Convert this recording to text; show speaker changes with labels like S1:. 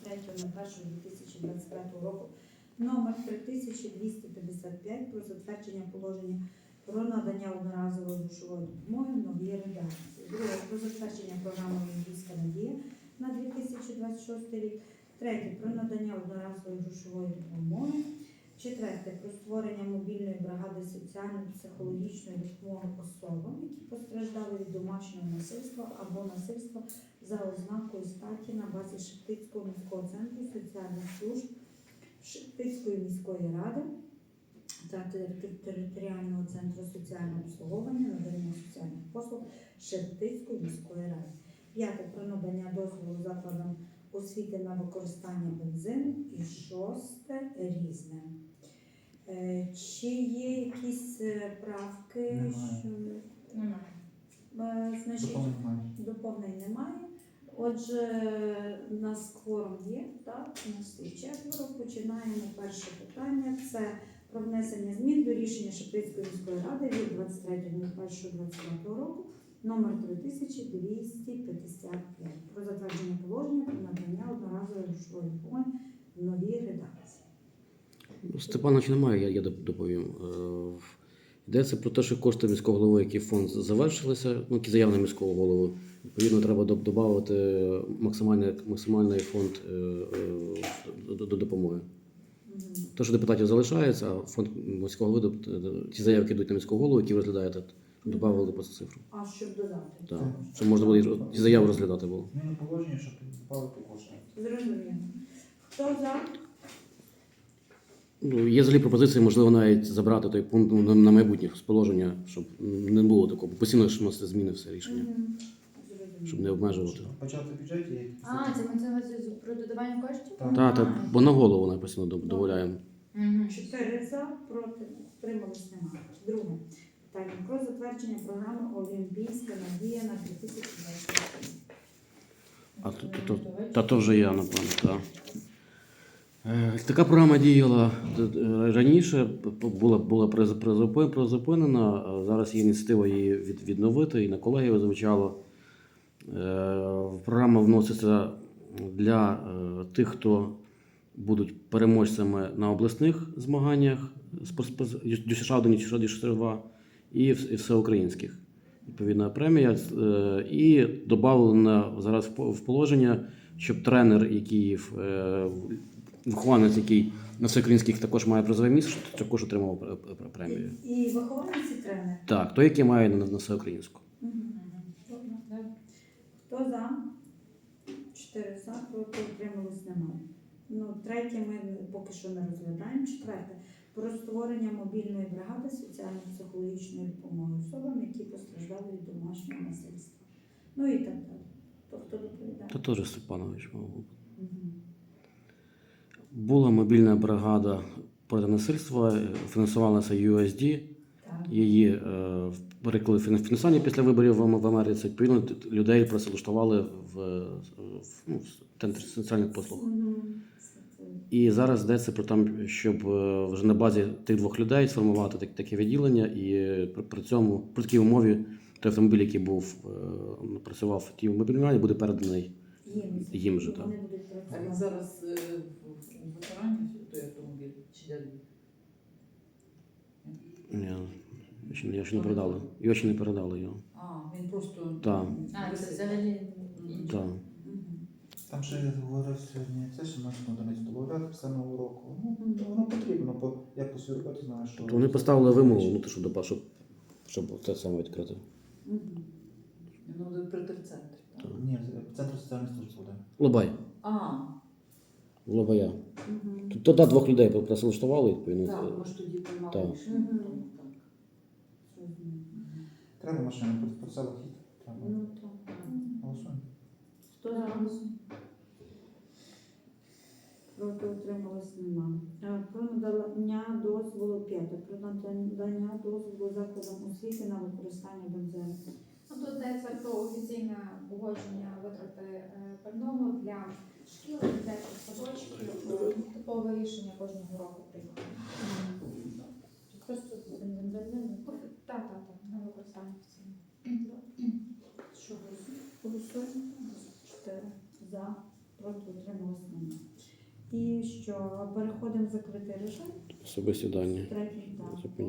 S1: 23.01.2025 року номер 3255 про затвердження положення про надання одноразової грошової допомоги в новій редакції. Друге, про затвердження програми «Олімпійська надія» на 2026 рік. Третє, про надання одноразової грошової допомоги. Четверте, про створення мобільної бригади соціально-психологічної допомоги особам, які постраждали від домашнього насильства або насильства за ознакою статі на базі Шептицького міського центру соціальних служб, Шептицької міської ради та територіального центру соціального обслуговування надання соціальних послуг Шептицької міської ради. П'яте, про надання дозволу закладам освіти на використання бензину. І шосте, різне. Чи є якісь правки?
S2: Немає.
S1: Значить, доповнень немає. Отже, у нас кворум є, так? У нас є четверо. Починаємо перше питання. Це про внесення змін до рішення Шептицької міської ради від 23.01.2025 року номер 3255 про затвердження положення про надання одноразової грошової допомоги в новій редакції.
S3: Степановича немає, я доповім. Йдеться про те, що кошти міського голови, які фонд завершилися, які заявлені міського голови, відповідно, треба додати максимальний фонд до допомоги. Те, що депутатів залишається, а фонд міського голови, ті заявки йдуть на міського голову, які ви розглядаєте, додавали по цифру.
S1: А щоб додати?
S3: Так, щоб можна було ті заяви розглядати було.
S2: Зміни положення, щоб додати кошти.
S1: Зрозуміло. Хто за?
S3: Є взагалі пропозиції, можливо, навіть забрати той пункт на майбутнє з положення, щоб не було такого. Постійно ж вносити зміни все рішення, щоб не обмежувати.
S2: Почати в бюджеті є.
S4: Це про додавання коштів?
S3: Так, бо на голову навіть постійно додаємо.
S1: 4 за, проти, утримались немає. Друге питання про затвердження програми «Олімпійська надія» на 2025 рік.
S3: То вже я, напевно, так. Така програма діяла раніше, була призупинена, зараз є ініціатива її відновити, і на колегію звучало. Програма вноситься для тих, хто будуть переможцями на обласних змаганнях ДЮСШ-1, ДЮСШ-2 і всеукраїнських. Відповідна премія. І додано зараз в положення, щоб тренер, вихованець, який на всеукраїнських також має призове місце, також отримав премію.
S1: І вихованець і тренер?
S3: Так, той, який має на всеукраїнську.
S1: Хто за? 4 за, проти, утримались немає. Третє ми поки що не розглядаємо. Четверте. Про створення мобільної бригади соціально-психологічної допомоги особам, які постраждали від домашнього насильства. І так далі. То хто доповідає?
S3: Та теж Степанович, мабуть. Була мобільна бригада проти насильства, фінансувалася USD. Її переклали фінансування після виборів в Америці. Відповідно, людей працевлаштували в центрі соціальних послуг. І зараз йдеться про те, щоб вже на базі тих двох людей сформувати таке відділення, і при такій умові той автомобіль, який працював в тій мобільній бригаді, буде переданий їм же.
S5: А він зараз у ветерані той автомобіль чи де?
S3: Ні, його ще не передали. Його ще не передали його.
S5: Він просто...
S3: Так.
S4: Це взагалі
S3: Так.
S2: Там ще говорив сьогодні, це ще можна одиницю лауреат писаного року. Воно потрібно, як по своїй роботі знаєш, що...
S3: Вони поставили вимогу, щоб те саме відкрити.
S5: При терцентрі, так?
S2: Ні, центр соціальної служби буде.
S3: Лобай. Лобая. Туди двох людей працевлаштували, відповідно.
S5: Так, може тоді приймали
S3: Так.
S5: рішення.
S2: Треба машину, про село хід. Голосуємо.
S1: Хто за? Проти, утримались немає. Про надання дозволу 5. Про надання дозволу закладам освіти на використання бензину.
S4: Тут йдеться про офіційне погодження витрати пального для шкіл, дитячих садочків, типове рішення кожного року приймаємо.
S1: Просто бензин.
S4: Так, на використання офіційне.
S1: Що голосуємо? 4 за, проти, утримались основне. І що переходимо в закритий режим,
S3: Особисті дані.
S1: третій, так.
S3: Зупиняємо.